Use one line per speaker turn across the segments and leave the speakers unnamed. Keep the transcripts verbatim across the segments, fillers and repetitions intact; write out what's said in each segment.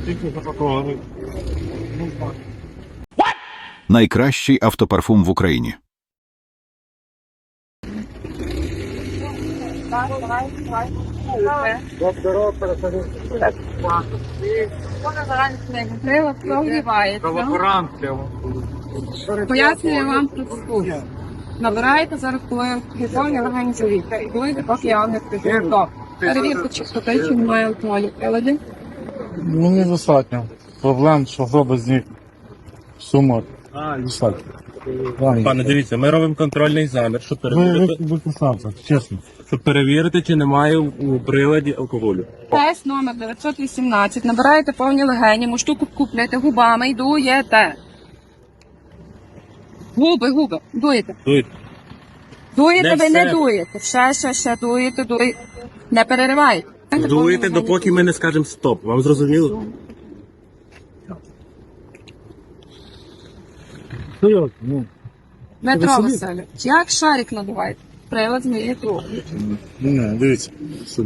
Найкращий автопарфум в Україні.
Пояснюю вам процедуру. Набираєте зараз, коли гіпоні організуєте. Будете, поки я вам не скажу. Перевірте чистоти, чи немає алкоголю в приладі.
Ну, недостатньо. Проблем, що зробить з них сума. Достатньо.
Пане, дивіться, ми робимо контрольний замір, щоб
Ви
перевірити,
виконавця, чесно.
щоб перевірити, чи немає у приладі алкоголю.
Тест номер дев'ятсот вісімнадцять. Набираєте повні легені, муштуку купляєте губами і дуєте. Губи, губи. Дуєте.
Дуйте.
Дуєте,
Не
ви не
все.
дуєте. Ще, ще, ще дуєте, дуєте. Не переривайте.
Дуйте, допоки ми не скажемо стоп. Вам зрозуміло?
Ну,
Дмитро
собі?
Васильович, як шарик надуваєте? Прилад зміє трохи.
не, дивіться. Сюди.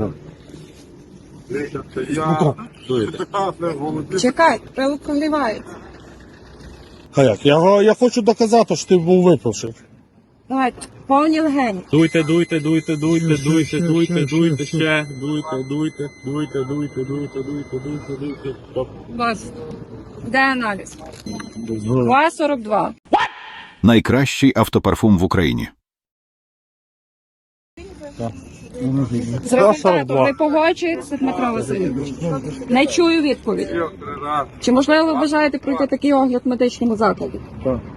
Дуйте.
Чекайте, прилад прогрівається.
А як? Я, я хочу доказати, що ти був випивши.
Давайте, повні легені.
Дуйте, дуйте, дуйте, дуйте, дуйте,
ще,
дуйте,
ще,
дуйте,
ще,
ще. Дуйте, дуйте, дуйте, дуйте, дуйте, дуйте, дуйте, дуйте. Стоп.
Вас. Де аналіз? два сорок два.
Найкращий автопарфум в Україні.
З результатом ви погоджуєтеся, Дмитро Васильович? Не чую відповідь. Чи можливо ви бажаєте пройти такий огляд в медичному закладі?
Так.